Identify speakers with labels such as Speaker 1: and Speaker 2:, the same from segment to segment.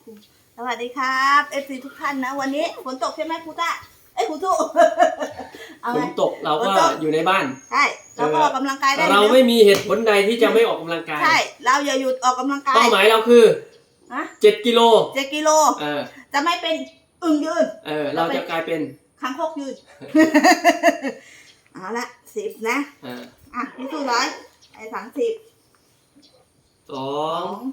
Speaker 1: คุมสวัสดีครับFCทุกท่านนะวันนี้ฝนตกใช่ไหมครูต้าครูตู้
Speaker 2: ฝนตกเราก็อยู่ในบ้าน
Speaker 1: ใช่เราก็ออกกำลังกายได้
Speaker 2: เราไม่มีเหตุผลใดที่จะไม่ออกกำลังกาย
Speaker 1: ใช่เราอย่าหยุดออกกำลังกาย
Speaker 2: เป้าหมายเราคือ7 กิโลจะไม่เป็นอึ่งยืนเราจะกลายเป็น
Speaker 1: คางคกยืน เอาละ10นะพี่ตู้ร้อย30
Speaker 2: 2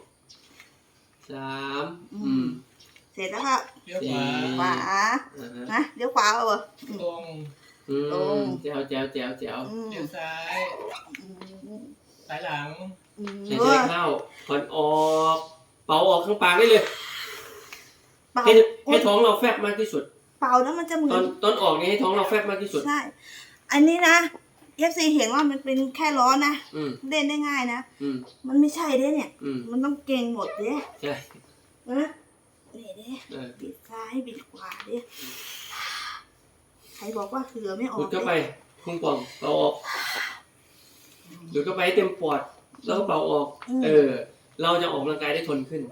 Speaker 2: 3
Speaker 1: เสร็จแล้วครับ
Speaker 3: เลี้ยวขวา
Speaker 1: นะเดี๋ยวขวาเอา
Speaker 3: ตรง
Speaker 2: แจ๋วเลี้ยว
Speaker 3: ซ้ายสายหลัง
Speaker 2: ให้เข้าผ่อนออกเป่าออกข้างปากได้เลยให้ท้องเราแฟบมากที่สุด
Speaker 1: เป่าแล้วมันจะเหมือน
Speaker 2: ตอนออกนี่ให้ท้องเราแฟบมากที่สุด
Speaker 1: ใช่อันนี้นะFCเห็นว่ามันเป็นแค่ล้อนะเล่นได้ง่ายนะมันไม่ใช่เด้เนี่ยมันต้องเก่งหมดเด้
Speaker 2: ใช่
Speaker 1: นะนี่เด้บิดซ้ายบิดขวาเด้ใครบอกว่าเหลือไม่ออก
Speaker 2: ดูดเข้าไปพุ่งป่องเป่าออกดูดเข้าไปเต็มปอดแล้วก็เป่าออกเราจะออกกำลังกายได้ทนขึ้น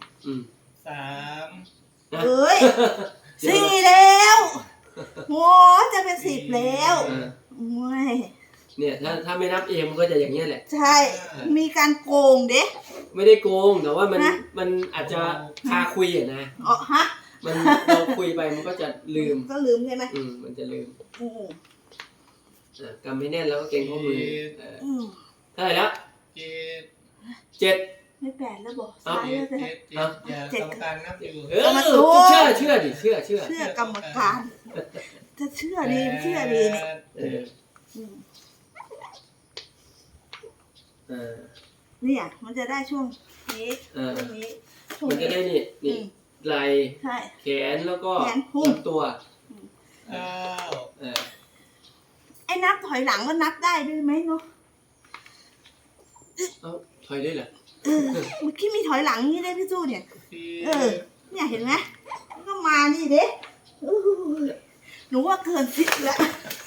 Speaker 3: 3
Speaker 1: เอ้ย4แล้วโอ้จะเป็น10แล้ว
Speaker 2: เนี่ยถ้าไม่นับเองมันก็จะอย่างเงี้ยแหละ
Speaker 1: ใช่มีการโกงเด้
Speaker 2: ไม่ได้โกงแต่ว่ามันอาจจะคาคุยอ่ะนะมันเราคุยไปมันก็จะลืม
Speaker 1: ใช่ไหม
Speaker 2: มันจะลืมกำไม่แน่นแล้วก็เกร็งข้อมือเท่าไหร่แล้ว7
Speaker 1: ไม่8แล้วบอกซ้ายแล้ว
Speaker 3: 7กรรมการนับอยู่
Speaker 2: เชื่
Speaker 1: อกรรมการจะเชื่อดีเนี่ยเนี่ยมันจะได้ช่วงนี้
Speaker 2: มันจะได้นี่ไหล่แขนแล้วก็ลำตัว
Speaker 1: ไอ้นับถอยหลังก็นับได้ด้วยไหมเนาะ
Speaker 2: ถอยได้เหรอ
Speaker 1: เมื่อกี้มีถอยหลังนี่ได้พี่จู้เนี่ยเนี่ยเห็นไหมก็มานี่เด้หนูว่าเกิน10แล้ว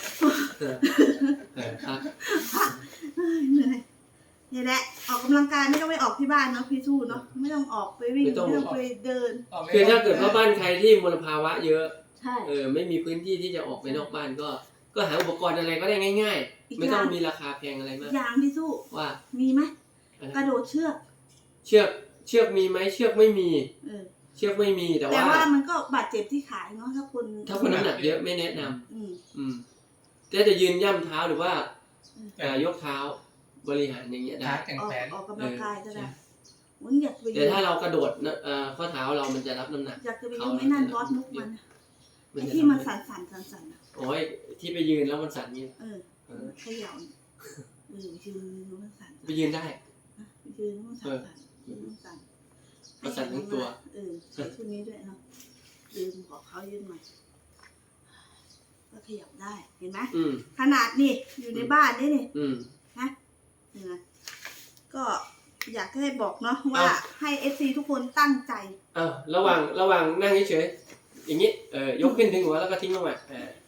Speaker 1: เหนื่อยนี่แหละออกกำลังกายไม่ต้องไปออกที่บ้านเนาะพี่สู้เนาะไม่ต้องออกไปวิ่งไม่ต้องไปเดิน
Speaker 2: คือถ้าเกิดว่าบ้านใครที่มลภาวะเยอะไม่มีพื้นที่ที่จะออกไปนอกบ้านก็หาอุปกรณ์อะไรก็ได้ง่ายๆไม่ต้องมีราคาแพงอะไรมาก
Speaker 1: อย่างพี่สู้
Speaker 2: ว่า
Speaker 1: มีไหมกระโดดเชื
Speaker 2: อกมีไหมเชือกไม่มีเชือกไม่มีแต่ว่า
Speaker 1: มันก็บาดเจ็บที่ขาเนาะถ้าคน
Speaker 2: น้ำหนักเยอะไม่แนะนำแต่จะยืนย่ำเท้าหรือว่ายกเท้าบริหารอย่างเงี้ยได้
Speaker 1: ออกกำลังกายก็ได้
Speaker 2: แต่ถ้าเรากระโดดข้อเท้าเรามันจะรับน้ำหนัก
Speaker 1: อยากจะไปยืนไม่นั่นบอสนุกมันที่มันสั่น
Speaker 2: โอ้ยที่ไปยืนแล้วมันสั่นนี่
Speaker 1: ขยับยืนมันสั่น
Speaker 2: ไปยืนได้
Speaker 1: ยืนมันสั่น
Speaker 2: มันสั่นทั้งตัว
Speaker 1: ใส่ชุดนี้ด้วยเนาะยืนบอกเขายืนใหม่ก็ขยับได้เห็นไหมขนาดนี่อยู่ในบ้านนี่นะก็อยากให้บอกเนาะว่าให้ FC ทุกคนตั้งใจ
Speaker 2: ระหว่างนั่งเฉยๆอย่างนี้ยกขึ้นถึงหัวแล้วก็ทิ้งลงมา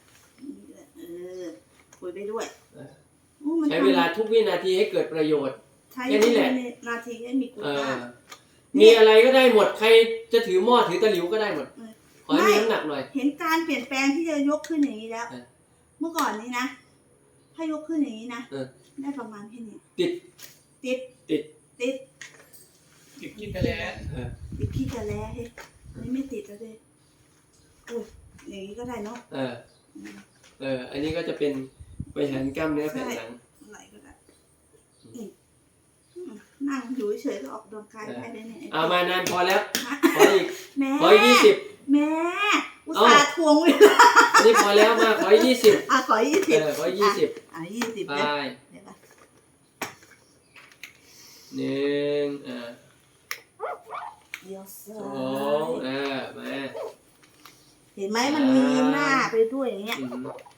Speaker 1: คุยไปด้วย
Speaker 2: ใช้เวลาทุกวินาทีให้เกิดประโยชน์
Speaker 1: แค่นี้แหละนาทีให้มีคุณค่า
Speaker 2: มีอะไรก็ได้หมดใครจะถือหม้อถือตะหลิวก็ได้หมดขอให้มีน้ำหนักหน่อย
Speaker 1: เห็นการเปลี่ยนแปลงที่จะยกขึ้นอย่างนี้แล้วเมื่อก่อนนี้นะถ้ายกขึ้นอย่างนี้นะได้ประมาณแค่นี้
Speaker 2: ติด
Speaker 3: ขี้กระแล
Speaker 1: ขี้กระแลเฮ้ยนี่ไม่ติดแล้วเลยอย่างนี้ก็ได้เนาะ
Speaker 2: อันนี้ก็จะเป็นบริหารกล้ามเนื้อแผ่นหลัง
Speaker 1: ไหลก็ได้นั่งอยู่เฉยๆก็ออกกำลังกายได้เลยเนี่ย
Speaker 2: เอามานานพอแล้วขออีก
Speaker 1: ขอ20แม่อุตส่าห์ทวงเวลา
Speaker 2: อันนี้พอแล้วมาขอ20
Speaker 1: ขอ20
Speaker 2: ขอ20ไป1
Speaker 1: เดี๋ยว
Speaker 2: 2มา
Speaker 1: เห็นไหมมันมีหน้าไปด้วยอย่างเงี้ย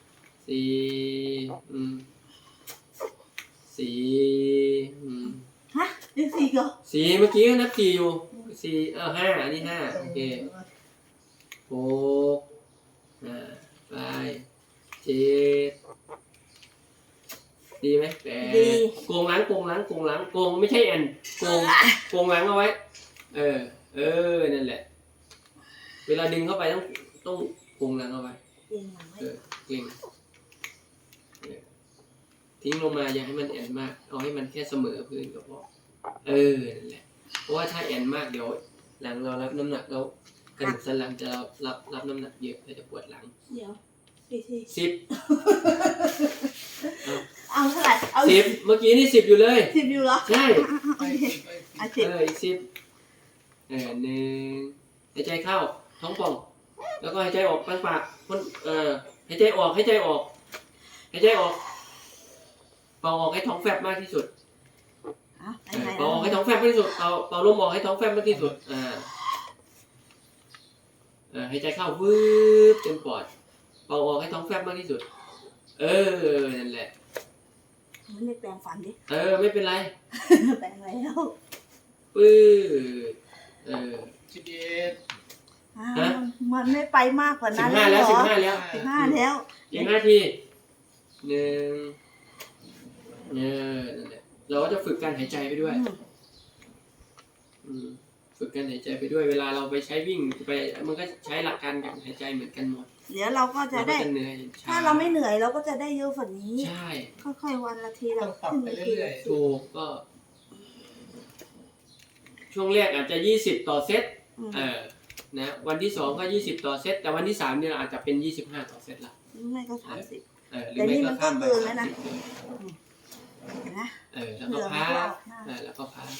Speaker 2: 4
Speaker 1: เรียก4ก็
Speaker 2: 4เมื่อกี้ก็นับ4อยู่4 5อันนี้5โอเค6ไป7ดีไหม8โกงล้างไม่ใช่แอนโกงล้างเอาไว้นั่นแหละ เวลาดึงเข้าไปต้องพุงหลังเข้าไป
Speaker 1: เก่งหลังไว้
Speaker 2: เกร็งทิ้งลงมาอย่าให้มันแอนมากเอาให้มันแค่เสมอพื้นก็พอนั่นแหละเพราะว่าถ้าแอนมากเดี๋ยวหลังเรารับน้ำหนักแล้วกระดูกสันหลังจะรับน้ำหนักเยอะจะปวดหลัง
Speaker 1: เดี๋ยวกี่ที
Speaker 2: 10
Speaker 1: เอาเท่าไหร่เอา
Speaker 2: 10เมื่อกี้นี่10อยู่เลย
Speaker 1: 10อยู่เหรอ
Speaker 2: ใช่
Speaker 3: ไปสิไปสิ
Speaker 1: อ่ะ10
Speaker 2: อีก101หายใจเข้าท้องป่องแล้วก็หายใจออกกลางปากหายใจออกหายใจออกหายใจออกเป่าออกให้ท้องแฟบมากที่สุดเป่าออกให้ท้องแฟบมากที่สุดเป่าลมออกให้ท้องแฟบมากที่สุดหายใจเข้าวืบเต็มปอดเป่าออกให้ท้องแฟบมากที่สุดนั่นแหละ
Speaker 1: เรียกแปรงฟันดิ
Speaker 2: ไม่เป็นไร
Speaker 1: แปรงแล้ว
Speaker 2: ปื้อ
Speaker 3: 11
Speaker 1: มันไม่ไปมากกว่านั้น
Speaker 2: 15แล้ว
Speaker 1: เหรอ
Speaker 2: 15แล้ว
Speaker 1: 15แล้ว
Speaker 2: อีก5 ทีนั่นแหละเราก็จะฝึกการหายใจไปด้วยฝึกการหายใจไปด้วยเวลาเราไปใช้วิ่งไปมันก็ใช้หลักการการหายใจเหมือนกันหมด
Speaker 1: เดี๋ยวเราก็จะได้
Speaker 2: เหนื่อย
Speaker 1: ถ้าเราไม่เหนื่อยเราก็จะได้เยอะกว่านี้
Speaker 2: ใช่
Speaker 1: ค่อยๆวันละทีละ
Speaker 3: ต้องปรับไปเรื่อย
Speaker 2: ถูกก็ ช่วงแรกอาจจะ20ต่อเซตนะวันที่2ก็20ต่อเซตแต่วันที่3เนี่ยอาจจะเป็น25ต่อเซตละ
Speaker 1: ไม่ก็30
Speaker 2: หรือไม่ก็ข้ามไป
Speaker 1: แต่นี่มันก็เกินแล้วนะ นะ
Speaker 2: แล้วก็พักแล้วก็พัก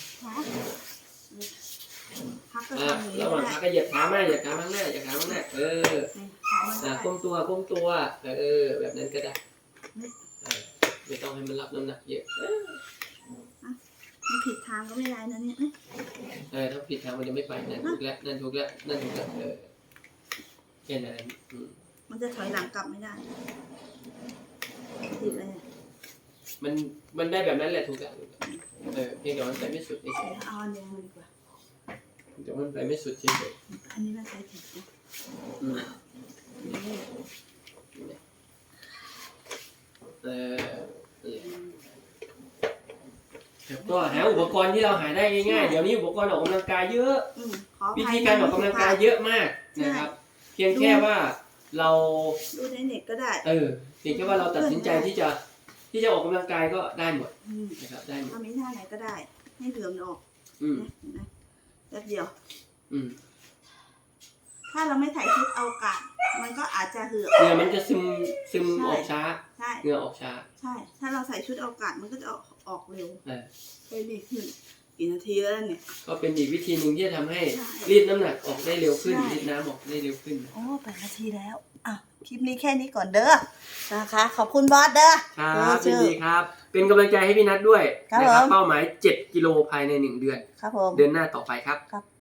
Speaker 1: พักก็ทำอย่างนี้
Speaker 2: ระหว่างพักก็เหยียดขามาเหยียดขาข้างหน้าเหยียดขาข้างหน้าก้มตัวแบบนั้นก็ได้ไม่ต้องให้มันรับน้ำหนักเยอะ
Speaker 1: มันผิดทางก็ไม่ได้นะเนี่ย
Speaker 2: ถ้าผิดทางมันจะไม่ไปนั่นถูกแล้วนั่นถูกแล้วแค่นั้น
Speaker 1: มันจะถอยหลังกลับไม่ได้ผิดเลย
Speaker 2: มันได้แบบนั้นแหละถูกแล้วเพียงแต่มันไปไม่สุดเฉย
Speaker 1: เอาอันแดงมาดีกว่า
Speaker 2: ๆแต่มันไปไม่สุดเฉย
Speaker 1: อันนี้มันใช้ผิดนะ
Speaker 2: ก็หาอุปกรณ์ที่เราหาได้ง่ายๆเดี๋ยวนี้อุปกรณ์ออกกำลังกายเยอะ
Speaker 1: ขออ
Speaker 2: วิ
Speaker 1: ภัย
Speaker 2: ธีการออกกำลังกายเยอะมากนะครับ เพียงแค่ว่าเรา
Speaker 1: ดูในเน็ตก็ได้
Speaker 2: เพียงแค่ว่าเราตัดสินใจที่จะออกกำลังกายก็ได้หมดนะครับได้หมด
Speaker 1: ทำนี้ท่าไหนก็ได้ให้เหลือมออกนะแป๊บเดียว ถ้าเราไม่ถ่ายคลิปเอากาศมันก็อาจจะเหือก
Speaker 2: เหงื่อมันจะซึมออกช้า
Speaker 1: ใช่
Speaker 2: เหงื่อออกช้า
Speaker 1: ใช่ ถ้าเราใส่ชุดเอากาศมันก็จะออกเร็ว
Speaker 2: เออ
Speaker 1: ไปดีขึ้นกี่นาทีแล้วเนี่ย
Speaker 2: ก็เป็นอีกวิธีหนึ่งที่จะทำให้
Speaker 1: ใช่
Speaker 2: รีดน้ำหนักออกได้เร็วขึ้น
Speaker 1: ใช่
Speaker 2: รีดน้ำออกได้เร็วขึ้น
Speaker 1: โอ้8 นาทีแล้วอ่ะคลิปนี้แค่นี้ก่อนเด้อนะคะ ขอบคุณบอสเด้อ
Speaker 2: ครับยินดีครับ เป็นกำลังใจให้พี่นัทด้วย
Speaker 1: ครับ
Speaker 2: นะครับ
Speaker 1: ผม
Speaker 2: เป้าหมาย7 กิโลภายใน1 เดือน
Speaker 1: ครับผม
Speaker 2: เดือนหน้าต่อไปครับ